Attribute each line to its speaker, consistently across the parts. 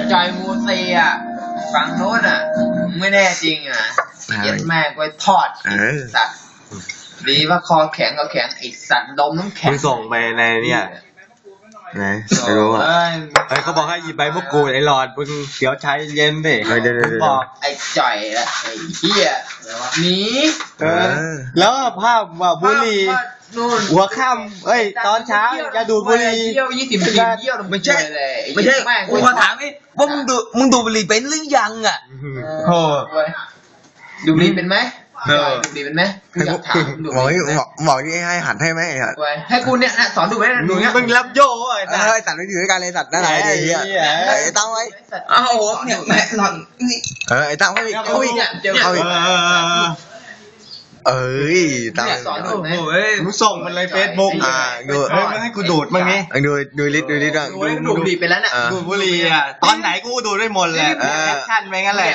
Speaker 1: จอยมูซีอ่ะฝั่งโน้นอ่ะไม่แน่จริงอ่ะเย็ดแม่งไว้ทอดสัตว์ดีว่าคอแข็งก็แข็งไอสัตว์ดมน้ำแข็ง
Speaker 2: มึงส่งไปในเนี่ยไหนไม่รู้อ่ะเฮ้ยเขาบอกให้หยิบใบมะกรูดไอ้หลอดมึงเดี๋ยวใช้เย็นดิเดี๋ยวบอก
Speaker 1: ไอ้จ่อยละไอ้เหี้ยหนี
Speaker 2: แล้วภาพว่าบุหรี่หัวค่ำเอ้ยตอนเช้าจะดูดบุหรี่
Speaker 1: เยี่ยว20 ปีเยี่ยว
Speaker 3: ไม่ใช่กูขอถามนี่ว่ามึงดูบุหรี่เป็นหรือยังอ่ะ
Speaker 2: โอ้
Speaker 1: ดูบุหรี่เป็นไหมดูบุหรี่เป็นไหมกูอยากถามดู
Speaker 4: บอกนี่ให้หัดให้ไหม
Speaker 1: ให้กูเนี่ยสอนดูไหมดูเนี้ย
Speaker 4: มึงรับโย่ไอ้สัตว์ไม่อยู่ด้วยกันเลยสัตว์นั่นไหนไอ้เหี้ยไอ้ตั้งไว้
Speaker 3: อ้าวเนี่ยแม่หลอนนี่
Speaker 4: ไอ้ตั้งไว้เอาอีกเอาอีกตั้ง
Speaker 1: สอนดูไหม
Speaker 2: มึงส่งมันเลยเฟซบุ๊ก
Speaker 4: ดู
Speaker 2: มันให้กูดูดมั้งนี่
Speaker 4: ดูลิสต์บ้าง
Speaker 1: ดูบุหรี่ไปแล้วน่ะ
Speaker 2: ดูบุหรี่อ่ะตอนไหนกูดูได้หมดแหละแอคชั่นไปงั้นแหละ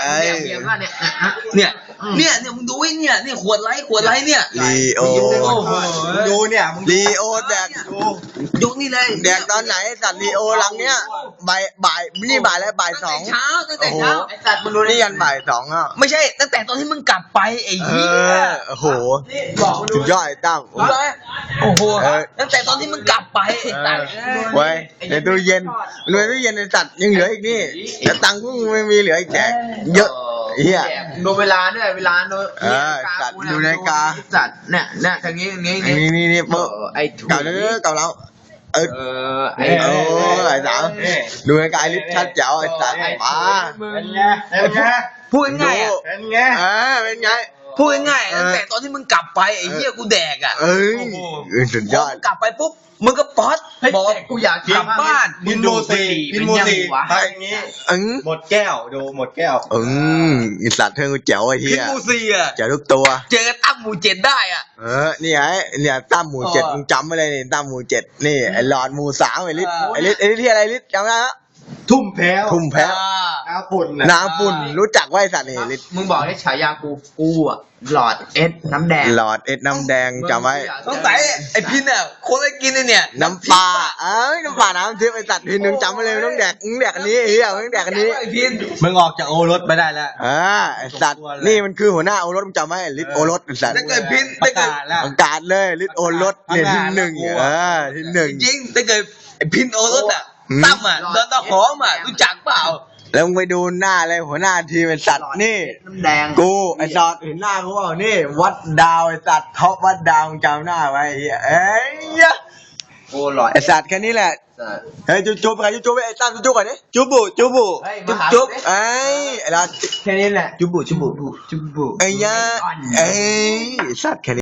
Speaker 3: เนี่ยมึงดูไอ้เนี่ยขวดไลท์เนี่ย
Speaker 4: ลีโอ
Speaker 2: ดูเนี่ย
Speaker 4: ลีโอแดก
Speaker 3: ยกนี่เลย
Speaker 4: แดกตอนไหนสัตว์ลีโอลังเนี้ยบ่ายนี่บ่ายแล้วบ่าย2
Speaker 3: ตั้งแต่เช้า
Speaker 1: ไอ้สัตว์มันดู
Speaker 4: นี่ยันบ่าย2อ่ะ
Speaker 3: ไม่ใช่ตั้งแต่ตอนที่มึงกลับไปไอ้เหี้ย
Speaker 4: โอ้โหสุดยอดไอ้ตั้ง
Speaker 3: โอ้โหตั้งแต่ตอนที่มึงกลับไปไอ้สัตว์
Speaker 4: ไว้ในตู้เย็นไอ้สัตว์ยังเหลืออีกนี่แต่ตังค์กูไม่มีเหลืออีกแจกเยอะเฮีย
Speaker 1: ดูเวลาด้วยเวลา
Speaker 4: สัตว์ดูนาฬิกา
Speaker 1: สัตว์เนี่ยทางนี้
Speaker 4: นี่
Speaker 1: ไอ้
Speaker 4: เก่าแล้วไอ้สาวดูนาฬิกาลิฟชัดเจ๋วไอ้สัตว์มา
Speaker 2: เป็นไง
Speaker 3: พูดง่าย
Speaker 2: เป็นไง
Speaker 4: เป็นไง
Speaker 3: พูดง่ายตั้งแต่ตอนที่มึงกลับไปไอ้เหี้ยกูแดกอ่ะ
Speaker 4: สุดยอด
Speaker 3: กลับไปปุ๊บมึงก็ป๊อต
Speaker 1: บอกกูอยาก
Speaker 3: กลับบ้าน
Speaker 2: พินโมซีถ้าอย่างนี้หมดแก้วดูหมดแก้ว
Speaker 4: อีสัตว์เธอกูแจ๋วไอ้เหี้ย
Speaker 3: พินโมซีอ่ะ
Speaker 4: แจ๋วทุกตัว
Speaker 3: เจอตั้มหมู่7ได้อ่ะ
Speaker 4: นี่ไงเนี่ยตั้มหมู่7มึงจำไว้เลยนี่ตั้มหมู่7นี่ไอ้หลอดหมู่3ไอ้ลิศที่อะไรลิศจำได้ไหม
Speaker 2: ทุ่มแพ้วน้ำ
Speaker 4: ฝุ่นรู้จักไว้สัตว์นี่ลิศ
Speaker 1: มึงบอกให้ฉายากูอ่ะหลอดเอสน้ำแดง
Speaker 4: น้ำแดงจำไว้
Speaker 3: ต้องใส่ไอ้พินอ่ะคนไอ้กินเนี่ย
Speaker 4: น้ำปลาน้ำปลาน้ำทิพย์ไอ้สัตว์พินนึงจำไว้เลยต้องแดกอันนี้เฮียต้องแดกอันนี้
Speaker 3: ไอ้พิน
Speaker 2: มึงออกจากโอรสไปได้แล้ว
Speaker 4: ไอ้สัตว์นี่มันคือหัวหน้าโอรสมึงจำไว้ลิศโอรสไอ้สัตว์
Speaker 3: ถ้าเกิดพินถ้าเกิด
Speaker 4: ประกาศเลยลิศโอรสเนี่ยที่1ที่1
Speaker 3: จริงถ้าเกิดไอ้พินโอรสอ่ะตั้มอ่ะโดนตะหอมอ่ะรู้จักเปล่า
Speaker 4: แล้วมึงไปดูหน้าเลยหัวหน้าทีมไอ้สัตว์นี่
Speaker 1: น้ำแดง
Speaker 4: กูไอ้สัตว์เห็นหน้าเขาเปล่านี่วัดดาวไอ้สัตว์ท็อปวัดดาวจำหน้าไว้เอ้ย
Speaker 1: โอ้หลอด
Speaker 4: ไอ้สัตว์แค่นี้แหละเฮ้ยจุ๊บใครจุ๊บไอ้ตั้มจุ๊บก่อนดิจุ๊บไอ้ละ
Speaker 1: แค่นี้แหละ
Speaker 4: จุ๊บไอ้ยะไอ้สัตว์แค่